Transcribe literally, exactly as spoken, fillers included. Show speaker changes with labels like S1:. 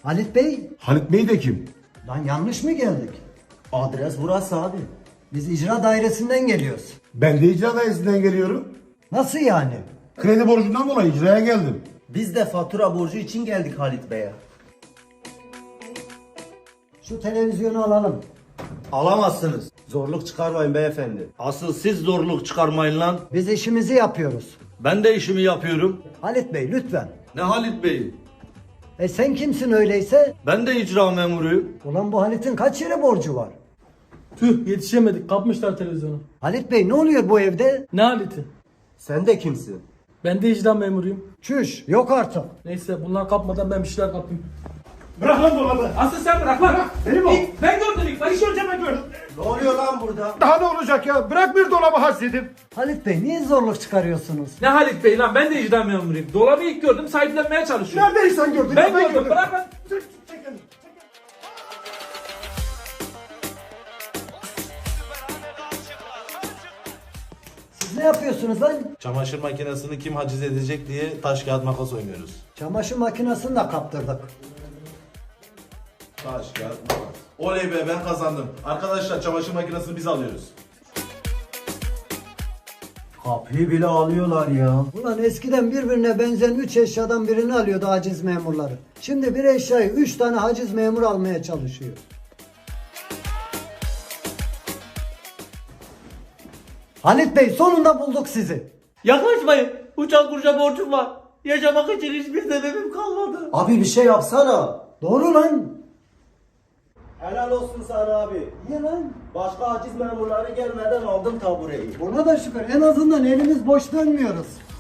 S1: Halit Bey,
S2: Halit Bey de kim?
S1: lan yanlış mı geldik?
S3: Adres burası abi.
S1: Biz icra dairesinden geliyoruz.
S2: Ben de icra dairesinden geliyorum.
S1: Nasıl yani?
S2: Kredi borcundan dolayı icraya geldim.
S3: Biz de fatura borcu için geldik Halit Bey'e.
S1: Şu televizyonu alalım.
S3: Alamazsınız. Zorluk çıkarmayın beyefendi.
S4: Asıl siz zorluk çıkarmayın lan.
S1: Biz işimizi yapıyoruz.
S4: Ben de işimi yapıyorum.
S1: Halit Bey lütfen.
S4: Ne Halit Bey?
S1: E sen kimsin öyleyse?
S4: Ben de icra memuruyum.
S1: Ulan bu Halit'in kaç yere borcu var?
S5: Tüh yetişemedik kapmışlar televizyonu.
S1: Halit Bey ne oluyor bu evde?
S5: Ne haleti?
S3: Sen de kimsin?
S5: Ben de icra memuruyum.
S1: Çüş yok artık.
S5: Neyse bunlar kapmadan ben bir şeyler kapayım.
S2: Bırak lan dolabı.
S5: Asıl sen bırak lan.
S2: Benim o.
S5: İlk ben gördüm ilk. Ben ilk önce ben gördüm.
S3: Ne oluyor lan burada?
S2: Daha ne olacak ya? Bırak bir dolabı hasredim.
S1: Halit Bey niye zorluk çıkarıyorsunuz?
S5: Ne Halit Bey lan ben de icra memuruyum. Dolabı ilk gördüm sahiplenmeye çalışıyorum.
S2: Neredeyi sen gördün?
S5: Ben gördüm bırak lan.
S1: Siz ne yapıyorsunuz lan?
S6: Çamaşır makinesini kim haciz edecek diye taş kağıt makas oynuyoruz.
S1: Çamaşır makinesini de kaptırdık.
S6: Taş kağıt makas. Oley be ben kazandım. Arkadaşlar çamaşır makinesini biz alıyoruz.
S3: Kapıyı bile alıyorlar ya.
S1: Ulan eskiden birbirine benzeyen üç eşyadan birini alıyordu haciz memurları. Şimdi bir eşyayı üç tane haciz memur almaya çalışıyor. Halit Bey sonunda bulduk sizi.
S4: Yaklaşmayın. Uçak kurca borcum var. Yaşamak için hiçbir sebebim kalmadı.
S3: Abi bir şey yapsana.
S1: Doğru lan.
S3: Helal olsun sana abi.
S1: Niye lan?
S3: Başka haciz memurları gelmeden aldım tabureyi.
S1: Ona da şükür en azından elimiz boş dönmüyoruz.